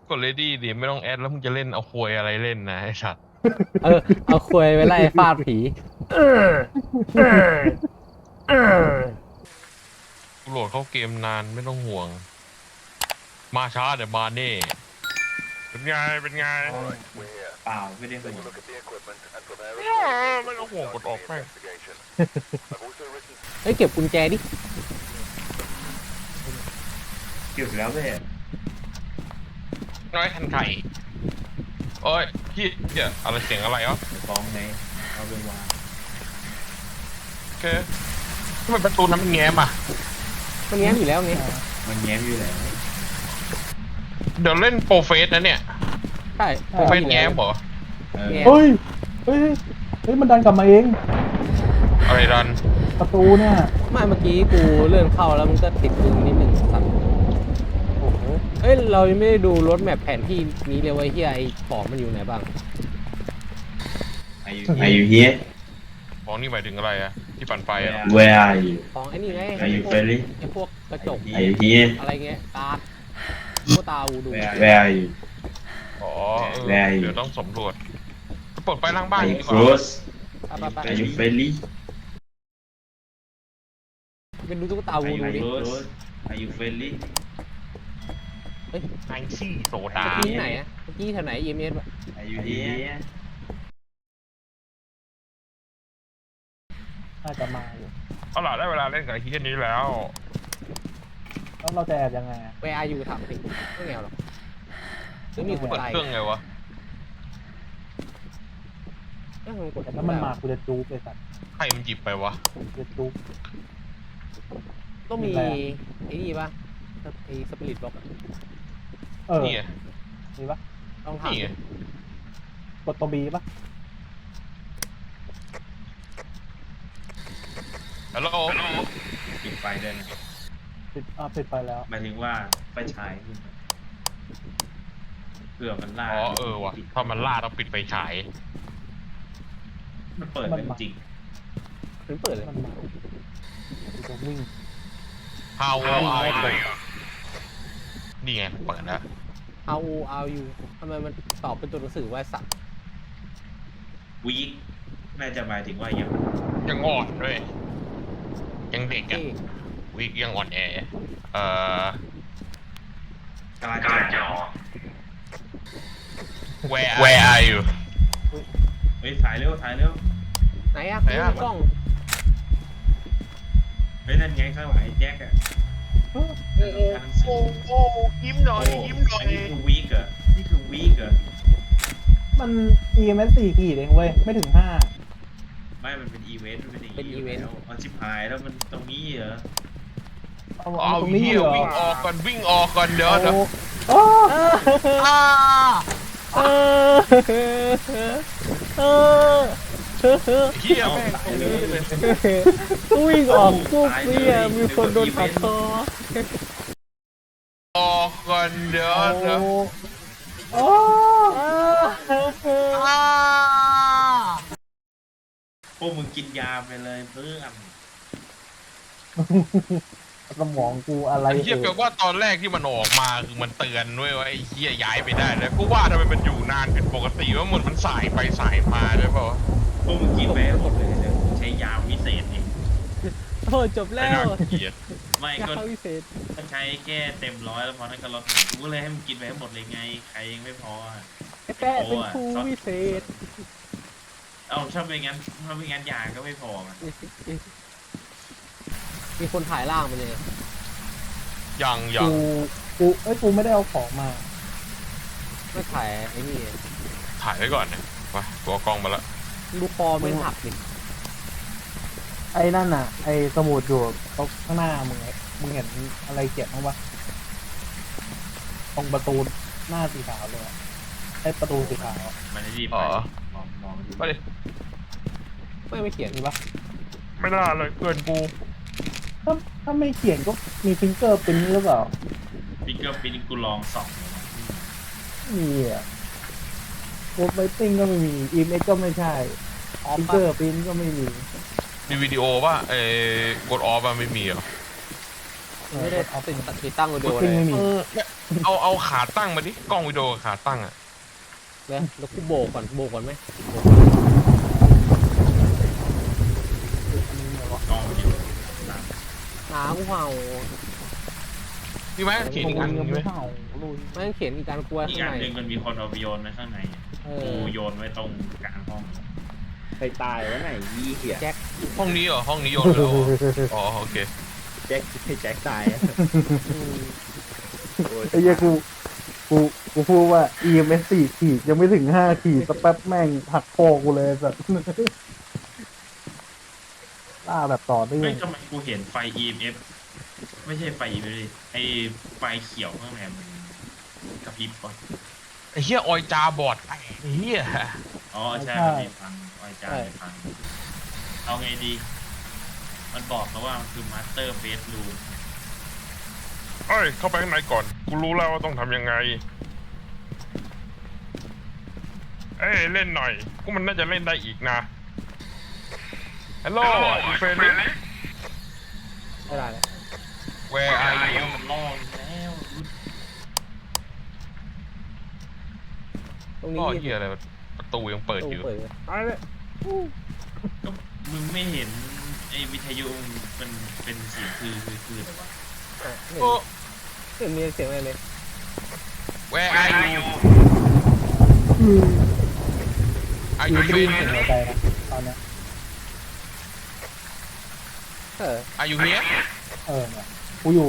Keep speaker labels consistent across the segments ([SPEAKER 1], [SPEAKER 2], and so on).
[SPEAKER 1] กดเลดี้ดิไม่ต้องแอดแล้วมึงจะเล่นเอาควยอะไรเล่นนะไอ้สัตว์
[SPEAKER 2] เออเอาควยไปไล่ฟาดผี
[SPEAKER 1] กูโหลดเข้าเกมนานไม่ต้องห่วงมาช้าเดี๋ยวมาแน่เป็นไงเป็นไง
[SPEAKER 3] เปล่าไม่ได้ห่วง
[SPEAKER 1] ไม่ต้องห่วงกดออกแม่ง
[SPEAKER 2] เฮ้ยเก็บกุญแจดิ
[SPEAKER 3] เก็บแล้วเว้ย
[SPEAKER 1] น้อยทันไข่โอ้ยพี่เดี๋ยวอะไรเสียงอะไรวะ
[SPEAKER 3] เดี๋ยวฟ้องไหมเอาไปวาง
[SPEAKER 1] โอเคทำไมประตูนั้นมันแง้มอ่ะ
[SPEAKER 2] มันแง้มอยู่แล้วไง
[SPEAKER 3] มันแง้มอยู่แล้ว
[SPEAKER 1] เดี๋ยวเล่นโปรเฟสนะเนี่ย
[SPEAKER 2] ใช่
[SPEAKER 1] โปรเฟสแง้มเหรอ
[SPEAKER 3] เออ
[SPEAKER 4] เฮ้ย เฮ้ย เฮ้ย มันดันกลับมาเอง
[SPEAKER 1] อะไรดัน
[SPEAKER 4] ประตูเนี่ย
[SPEAKER 2] ไม่เมื่อกี้กูเลื่อนเข้าแล้วมันก็ติดมึงนิดหนึ่งสัตว์โอ้โหเอ้ยเรายังไม่ได้ดูรถแมพแผนที่นี้เลยว่าเฮียไอ้ปอมมันอยู่ไหนบ้าง
[SPEAKER 3] Are you here
[SPEAKER 1] ของนี่หมายถึงอะไรอะที่ปั่นไฟอะ
[SPEAKER 3] Where are you
[SPEAKER 2] ของไอ้นี่ไง
[SPEAKER 3] Are you friendly
[SPEAKER 2] ไอ้พวกกระจก
[SPEAKER 3] Are you here
[SPEAKER 2] อะไรเงี้ยตาพวกตาอูดู
[SPEAKER 3] Where are you
[SPEAKER 1] อ๋อ
[SPEAKER 3] แรงอยู่
[SPEAKER 1] เดี๋ยวต้องสำรวจเปิดไฟล่างบ้าน
[SPEAKER 3] Are
[SPEAKER 1] ดี
[SPEAKER 3] you
[SPEAKER 1] กว่า
[SPEAKER 3] close
[SPEAKER 2] ไป
[SPEAKER 3] Are you friendly
[SPEAKER 2] เป็นดูตุ๊กตา
[SPEAKER 3] Are
[SPEAKER 2] วู
[SPEAKER 3] you
[SPEAKER 2] ดูดิ
[SPEAKER 3] close Are you friendly
[SPEAKER 1] ไอซี่โซดา
[SPEAKER 2] เมื่อกี้ไหนอะเมื่อกี้แถวไหน EMS วะ
[SPEAKER 3] Are you here
[SPEAKER 4] น่าจะมาอยู่
[SPEAKER 1] เอาล่ะได้เวลาเล่นกับไอ้ที่นี้แล้ว
[SPEAKER 4] แล้วเราจะแอบยังไงอะ
[SPEAKER 2] เวอาอยู่ถามสิไม่แนวหรอกหรือมีคน
[SPEAKER 1] เปิด
[SPEAKER 2] ตาย
[SPEAKER 1] เครื่องไงวะ
[SPEAKER 2] เอ้ยมันกด
[SPEAKER 4] แล้วมันมากูจะจูบเลยสัตว์
[SPEAKER 1] ใครมันหยิบไปวะ
[SPEAKER 4] กูจะจูบ
[SPEAKER 2] ต้องมี
[SPEAKER 4] เป็นไรอะ
[SPEAKER 2] ไอ้นี่ปะไอ้สปิริตบล็อก
[SPEAKER 4] เออ
[SPEAKER 1] นี่ไง
[SPEAKER 4] มีปะ
[SPEAKER 2] ต้องถาม
[SPEAKER 1] นี่ไง
[SPEAKER 4] กดตัวบีปะ
[SPEAKER 1] ฮัลโหล
[SPEAKER 3] ปิดไฟด้วยนะ
[SPEAKER 4] ปิดไปแล้ว
[SPEAKER 3] หมายถึงว่าไฟฉายขึ้นเผื่อมันล่า
[SPEAKER 1] อ๋อเออว่ะถ้ามันล่าต้องปิดไฟฉาย
[SPEAKER 3] มันเปิดได้จริง
[SPEAKER 2] ถึงเปิดเลย
[SPEAKER 4] มันมากูจะวิ่ง
[SPEAKER 1] How are you นี่ไงเปิดแล้ว
[SPEAKER 2] เอาเอาอยู่ทำไมมันตอบเป็นตัวหนังสือว่าสัตว์
[SPEAKER 3] วีคน่าจะหมายถึงว่ายัง
[SPEAKER 1] ยังอ่อนด้วยยังเด็กอะ
[SPEAKER 2] ที่
[SPEAKER 1] วิกยังอ่อนแอ
[SPEAKER 3] กำลังจะ
[SPEAKER 1] Where are you
[SPEAKER 3] เฮ้ยถ่ายเร็วถ่ายเร็ว
[SPEAKER 2] ไหนอะ
[SPEAKER 1] ไหนอะ
[SPEAKER 2] กล้อง
[SPEAKER 3] เฮ้ยนั่นไงข้างหลังไอ้แจ็คอะ
[SPEAKER 1] โอ้ยิ้มหน่อยยิ้มหน่อย
[SPEAKER 3] อันนี้คือวีคเหรอนี่คือวีคเหรอ
[SPEAKER 4] มัน EMS 4 ขีดเองเว้ย ไม่ถึง 5
[SPEAKER 3] ไม่มันเป็นอีเวนต์มันเป็นอย่างนี้อยู่แล้วมันชิบหายแล้วมันตรงนี้เหรอ
[SPEAKER 1] เอา
[SPEAKER 4] ตรงนี้
[SPEAKER 1] เหี้ย
[SPEAKER 4] เหรอ
[SPEAKER 1] วิ่งออกก่อนวิ่งออกก่อนเดี๋ยว
[SPEAKER 4] โอ้
[SPEAKER 2] อ้าเออเออ
[SPEAKER 1] เหี้ยแม่งตรงนี้เลย
[SPEAKER 2] วิ่งออกปุ๊บเนี่ยมีคนโดนตัดคอ
[SPEAKER 1] ออกก่อนเดี๋ยว
[SPEAKER 4] โอ้
[SPEAKER 3] พวกมึงกินยาไปเลยเพื่อน
[SPEAKER 4] สมองกูอะไร
[SPEAKER 1] ไอ้เหี้ยแปลว่าตอนแรกที่มันออกมาคือมันเตือนด้วยว่าไอ้เหี้ยย้ายไปได้แล้วกูว่าทำไมมันอยู่นานผิดปกติว่าเหมือนมันสายไปสายมาด้วยเปล่าวะ
[SPEAKER 3] พวกมึงกินไปให้หมดเลยเดี๋ยวกูใช้ยาวิเศษเอง
[SPEAKER 2] โอ้จบ
[SPEAKER 1] ไม่
[SPEAKER 2] แล้ว
[SPEAKER 1] น่าเกลียด
[SPEAKER 3] ไม่
[SPEAKER 2] ยา
[SPEAKER 3] ก็
[SPEAKER 2] วิเศษ
[SPEAKER 3] ก็ใช้แค่เต็มร้อยแล้วพอนั้นก็ลดกูก็เลยให้มึงกินไปให้หมดเลยไงใครยังไม่พออะ
[SPEAKER 2] แป้เป็นครูวิเศษ
[SPEAKER 3] เอาถ้าไม่งั้นยาก็ไม่พอมัน
[SPEAKER 2] มีคนถ่ายร่างมันเลย
[SPEAKER 1] ยัง
[SPEAKER 4] กูไม่ได้เอาของมา
[SPEAKER 2] ไม่ถ่ายไอ้นี่
[SPEAKER 1] ถ่ายไว้ก่อนนะไปตัวกล้องมาละ
[SPEAKER 2] ดูคอมันหักดิ
[SPEAKER 4] ไอ้นั่นน่ะ ไอ้สมุดอยู่ตรงข้างหน้ามึงไงมึงเห็นอะไรเขียนบ้างปะตรงประตูหน้าสีขาวเลยอะไอ้ประตูสีขาวอะ
[SPEAKER 3] มันจะรีบ
[SPEAKER 1] อ๋
[SPEAKER 3] ไป
[SPEAKER 1] อ
[SPEAKER 3] มองดู
[SPEAKER 1] ไปดิ
[SPEAKER 2] ไม่เขียน
[SPEAKER 4] มีปะ
[SPEAKER 1] ไม่น่าเลยเกินกู
[SPEAKER 4] ถ้าไม่เขียนก็มีฟิงเกอร์เป็นหรือเปล่า
[SPEAKER 3] ฟิกเกอร์ปิ้นกูลองส่องเลยนะ
[SPEAKER 4] มีอ่ะโคดไวติ้งก็ไม่มีอีเมก็ไม่ใช่
[SPEAKER 2] ออฟ
[SPEAKER 4] ฟิง
[SPEAKER 2] ปะ
[SPEAKER 4] เกอร์ปิ้นก็ไม่มี
[SPEAKER 1] มีวิดีโอป่ะกดออฟอะไม่มีเหรอ
[SPEAKER 2] ไม่ได้ติดตั้งวิดีโอ
[SPEAKER 4] พุ
[SPEAKER 2] เล
[SPEAKER 4] ตติ้ง
[SPEAKER 2] ย
[SPEAKER 4] ไม่มี
[SPEAKER 1] เอาขาตั้งมาดิกล้องวิดีโอกับขาตั้งอ่ะ
[SPEAKER 2] แล้วกูโบกก่อนไหม
[SPEAKER 4] อันนี้เนี่ยวะ
[SPEAKER 3] กองอยู่หลัง
[SPEAKER 2] หากูเห่า
[SPEAKER 1] พี่ไหมเขียนอีกอันหนึงไหม
[SPEAKER 4] เห่าลุย
[SPEAKER 2] แม่งเขียนอีกการกลัว
[SPEAKER 3] อีก
[SPEAKER 2] ข้าง
[SPEAKER 3] อัน
[SPEAKER 2] ใน
[SPEAKER 3] หนึ่งมันมีคนเอาไปโยนไว้ข้างใน
[SPEAKER 2] เอ
[SPEAKER 3] กู
[SPEAKER 2] อ
[SPEAKER 3] โยนไว้ตรงกลางห้อง
[SPEAKER 5] ใครตายวะไหนยี่เหี้ย
[SPEAKER 2] แจ็ค
[SPEAKER 1] ห้องนี้เหรอห้องนี้โยนแล้วเหรออ๋อโอเค
[SPEAKER 5] แจ็คให้แจ็คตายอะ
[SPEAKER 2] อืม
[SPEAKER 5] โอ้ย
[SPEAKER 4] ไอ้เหี้ยกูพูดว่า EMS 4 ขีดยังไม่ถึง 5 ขีดสักแป๊บแม่งหักคอกูเลยสัตว์ล่าแบบต่อเนื่อ
[SPEAKER 3] เฮ้ย
[SPEAKER 4] ง
[SPEAKER 3] ทำไมกูเห็นไฟ EMF ไม่ใช่ไฟ EMF ดิไอไฟเขียวข้างในมันกระพริบก่อน
[SPEAKER 1] ไอ้เหี้ยออยจาบอดไอ้เหี้ย
[SPEAKER 3] อ๋อใช่มันมีฟังไอจานมีฟังเอาไงดี มันบอกแล้วว่ามันคือ Master Bedroom
[SPEAKER 1] เอ้ยเข้าไปข้างในก่อนกูรู้แล้วว่าต้องทำยังไงเอ้ยเล่นหน่อยกูมันน่าจะเล่นได้อีกนะฮัลโหลอีเฟรน
[SPEAKER 2] ไม่ได้เลย
[SPEAKER 1] Where are
[SPEAKER 3] ไอ้
[SPEAKER 1] you
[SPEAKER 3] มันล่อแล้ว
[SPEAKER 2] ตรงนี้
[SPEAKER 1] ก็เหี้ยอะไรประตูยังเปิดอยู่
[SPEAKER 2] เปิดอะไรเลย
[SPEAKER 3] ก็มึงไม่เห็นไอ้วิทยุมันเป็นเสียงคืออะไรวะ
[SPEAKER 1] โอ้
[SPEAKER 2] ไม่มีเสียงอะไรเลย
[SPEAKER 1] Where are you
[SPEAKER 4] อยู่
[SPEAKER 1] Are
[SPEAKER 4] ได้
[SPEAKER 1] you
[SPEAKER 4] ยินเสียง
[SPEAKER 1] here
[SPEAKER 4] หัวใจนะตอนเนี้ย
[SPEAKER 2] เออ
[SPEAKER 1] Are you here
[SPEAKER 4] เนี่ยกูอยู่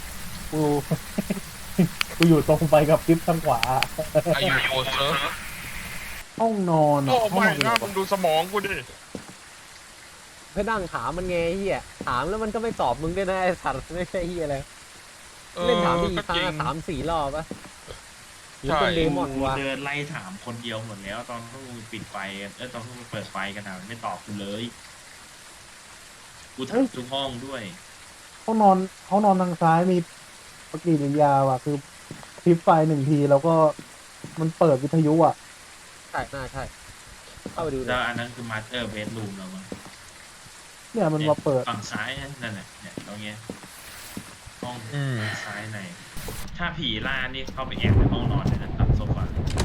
[SPEAKER 4] กูอยู่ตรงไปกับคลิปทางขวา
[SPEAKER 1] Are you closer
[SPEAKER 4] ห้องนอนอะ
[SPEAKER 1] โอ้
[SPEAKER 4] ห้อง
[SPEAKER 1] ไม่
[SPEAKER 4] นอน
[SPEAKER 1] นะมึงดูสมองกูดิ
[SPEAKER 2] เพื่อนั่งถามมันไงไอ้เฮียถามแล้วมันก็ไม่ตอบมึงด้วยนะไอ้สัตว์ไม่ใช่เฮียอะไรเล่นถามพี่อีกครั้ง
[SPEAKER 1] จริ
[SPEAKER 2] ละ
[SPEAKER 1] ง
[SPEAKER 2] 3-4 รอบปะหรือ
[SPEAKER 1] ใช่
[SPEAKER 2] เป็นเดมอน
[SPEAKER 3] กู
[SPEAKER 2] วะ
[SPEAKER 3] เดินไล่ถามคนเดียวหมดแล้ว ตอนพวกมึงปิดไฟกันตอนพวกมึงเปิดไฟกันอะไม่ตอบกูเลย กูถามทุกห้องด้วย
[SPEAKER 4] ห้องนอนทางซ้ายมีปฏิกิริยาว่ะคือคลิปไฟ1 ทีแล้วก็มันเปิดวิทยุอ่ะ
[SPEAKER 2] ใช่น่าใช่เข้าไปดูเล
[SPEAKER 3] แล้
[SPEAKER 2] ยว
[SPEAKER 3] อันนั้นคือ Master Bedroom แล้วมั้ง
[SPEAKER 4] เนี่ยมันมาเปิด
[SPEAKER 3] ฝั่งซ้ายนั่นแหละเนี่ยตรงเนี้ยห้อง
[SPEAKER 1] อืม
[SPEAKER 3] ซ้ายในถ้าผีล่านี่เข้าไปแอบในห้องนอนเลยนะตัดโซฟา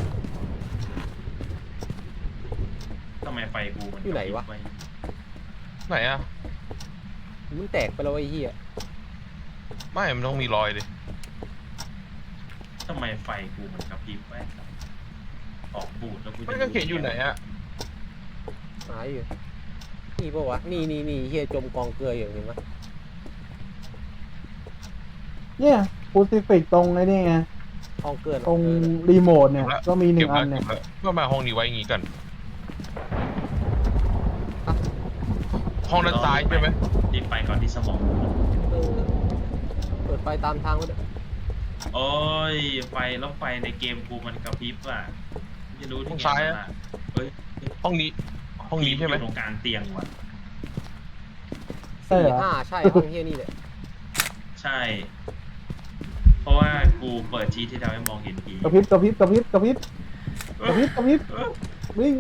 [SPEAKER 3] ทำไมไฟกูมันกระพริบว้
[SPEAKER 1] ไหนอะ
[SPEAKER 2] มันแตกไปแล้วไอ้เฮีย
[SPEAKER 1] ไม่มันต้องมีรอยดิ
[SPEAKER 3] ทำไมไฟกูมันกระพริบไว้ออกบูดแล้วกูจะ
[SPEAKER 1] มันก็เขียนอยู่ไหนอะ
[SPEAKER 2] หายอยู่นี่ปะวะนี่เฮียจมกองเกลืออยู่เห็นไหม
[SPEAKER 4] เนี่ยคูซิฟิกตรงไอ้นี่ไง
[SPEAKER 2] กองเกลือ
[SPEAKER 4] ตรงรีโมทเนี่ยก็มี1 อันเนี่ย
[SPEAKER 1] เพื่อมาห้องนี้ไว้อย่างงี้กัน ห้องด้านซ้ายใช่ไหม
[SPEAKER 3] รีบไปก่อนที่สมองกู
[SPEAKER 2] เออเปิดไฟตามทางไว้ด้วย
[SPEAKER 3] โอ้ยไฟแล้วไฟในเกมกูมันกระพริบอ่ะไม่รู้ที่ไงมันอ่ะเฮ้ย
[SPEAKER 1] ห้องนี้ ห้องนี้ใช่ไหม
[SPEAKER 3] อยู่ตรงกลางเตียงว่ะ
[SPEAKER 4] ใช่เหรอ
[SPEAKER 2] 4-5ใช่ห้องเฮียนี่แหละ
[SPEAKER 3] ใช่ เพราะว่ากูเปิดชีทที่ทำให้มองเห็นผี
[SPEAKER 4] กระพริบวิ่ง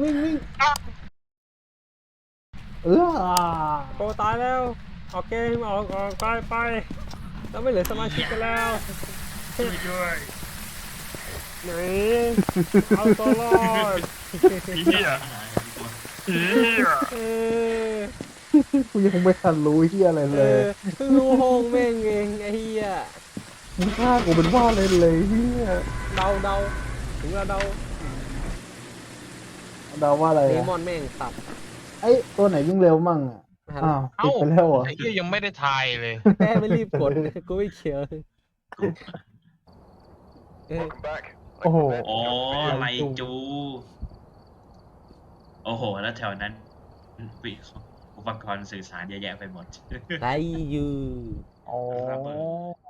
[SPEAKER 2] โตตายแล้วออกเกมออกไปแล้วไม่เหลือสมาชิกกันแล้ว
[SPEAKER 3] ช่วยด้วย
[SPEAKER 2] หนีเอาตัวรอด
[SPEAKER 1] เหี้ยเหี้ย
[SPEAKER 2] เออ
[SPEAKER 4] กูยังไม่ทันรู้เฮียอะไร
[SPEAKER 2] เอ
[SPEAKER 4] เลย
[SPEAKER 2] อเพิ่งรู้โฮงแม่งเองไอ้เฮีย
[SPEAKER 4] มึงฆ่ากูเป็นว่าเลยเฮีย
[SPEAKER 2] เดาถึงเราเดา
[SPEAKER 4] เดาว่าอะไร
[SPEAKER 2] เด
[SPEAKER 4] อะ
[SPEAKER 2] มอนแม่งสับ
[SPEAKER 4] ไอ้ตัวไหนวิ่งเร็วมั่งอ่ะอ้าวปิดไปแล้วเหรอ
[SPEAKER 1] ไอ้เหี้ยยังไม่ได้ทายเลย
[SPEAKER 2] แม่ไม่รีบกดกูไม่เขียวเออ
[SPEAKER 4] โอ้โห
[SPEAKER 3] อ๋อไรจู โอ้โห แล้วแถวนั้นอุปกรณ์สื่อสารเยอะแยะไปหมด
[SPEAKER 2] ไรยู
[SPEAKER 4] อ๋อ